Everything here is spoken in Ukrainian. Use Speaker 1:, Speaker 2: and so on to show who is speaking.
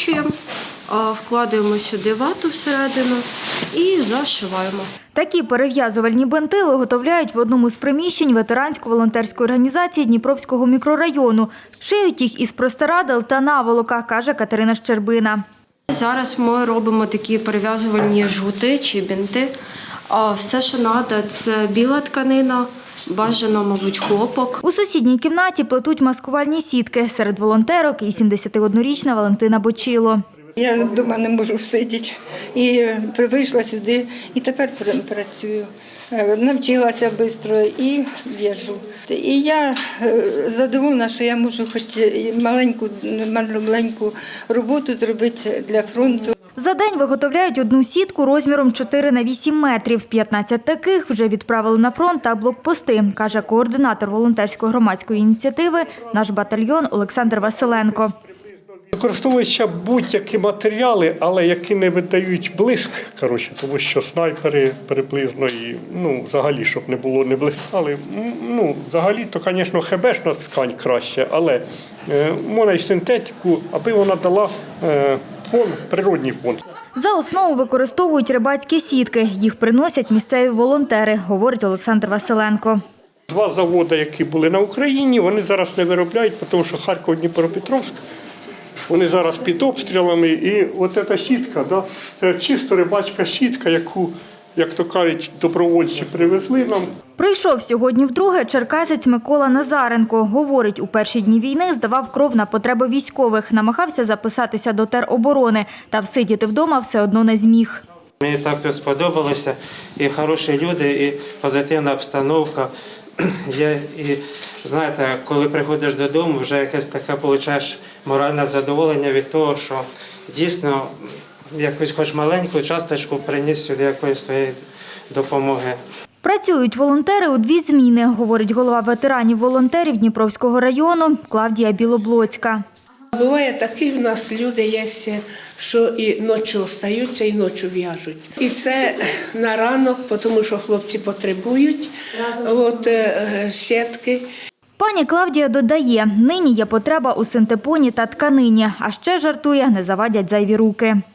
Speaker 1: скручуємо, вкладаємо сюди вату всередину і зашиваємо.
Speaker 2: Такі перев'язувальні бинти виготовляють в одному з приміщень ветерансько-волонтерської організації Дніпровського мікрорайону. Шиють їх із простирадел та наволока, каже Катерина Щербина.
Speaker 1: Зараз ми робимо такі перев'язувальні жгути чи бинти. Все, що треба, це біла тканина, бажано, мабуть, хлопок.
Speaker 2: У сусідній кімнаті плетуть маскувальні сітки. Серед волонтерок і 71-річна Валентина Бочило.
Speaker 3: Я вдома не можу сидіти. І вийшла сюди, і тепер працюю. Навчилася швидко і в'яжу. І я задоволена, що я можу хоч маленьку роботу зробити для фронту.
Speaker 2: За день виготовляють одну сітку розміром 4 на 8 метрів. 15 таких вже відправили на фронт та блокпости, каже координатор волонтерської громадської ініціативи «Наш батальйон» Олександр Василенко.
Speaker 4: Використовуються будь-які матеріали, але які не видають блиск, тому що снайпери приблизно і взагалі, щоб не було не блискали. Взагалі, то, звісно, хебешна ткань краще, але можна й синтетику, аби вона дала фон, природній фон.
Speaker 2: За основу використовують рибацькі сітки. Їх приносять місцеві волонтери, говорить Олександр Василенко.
Speaker 4: 2 заводи, які були на Україні, вони зараз не виробляють, тому що Харків, Дніпропетровськ, вони зараз під обстрілами. І от ця сітка, це чисто рибацька сітка, яку, як то кажуть, добровольці привезли нам.
Speaker 2: Прийшов сьогодні вдруге черкасець Микола Назаренко. Говорить, у перші дні війни здавав кров на потреби військових, намагався записатися до тероборони, та всидіти вдома все одно не зміг.
Speaker 5: Мені так тут сподобалося, і хороші люди, і позитивна обстановка. І знаєте, коли приходиш додому, вже якесь таке отримуєш моральне задоволення від того, що дійсно якусь хоч маленьку часточку приніс сюди якоїсь своєї допомоги.
Speaker 2: Працюють волонтери у 2 зміни, говорить голова ветеранів-волонтерів Дніпровського району Клавдія Білоблоцька.
Speaker 6: Буває такі в нас люди є, що і ночі остаються, і ночі в'яжуть. І це на ранок, тому що хлопці потребують сітки.
Speaker 2: Пані Клавдія додає, нині є потреба у синтепоні та тканині, а ще жартує, не завадять зайві руки.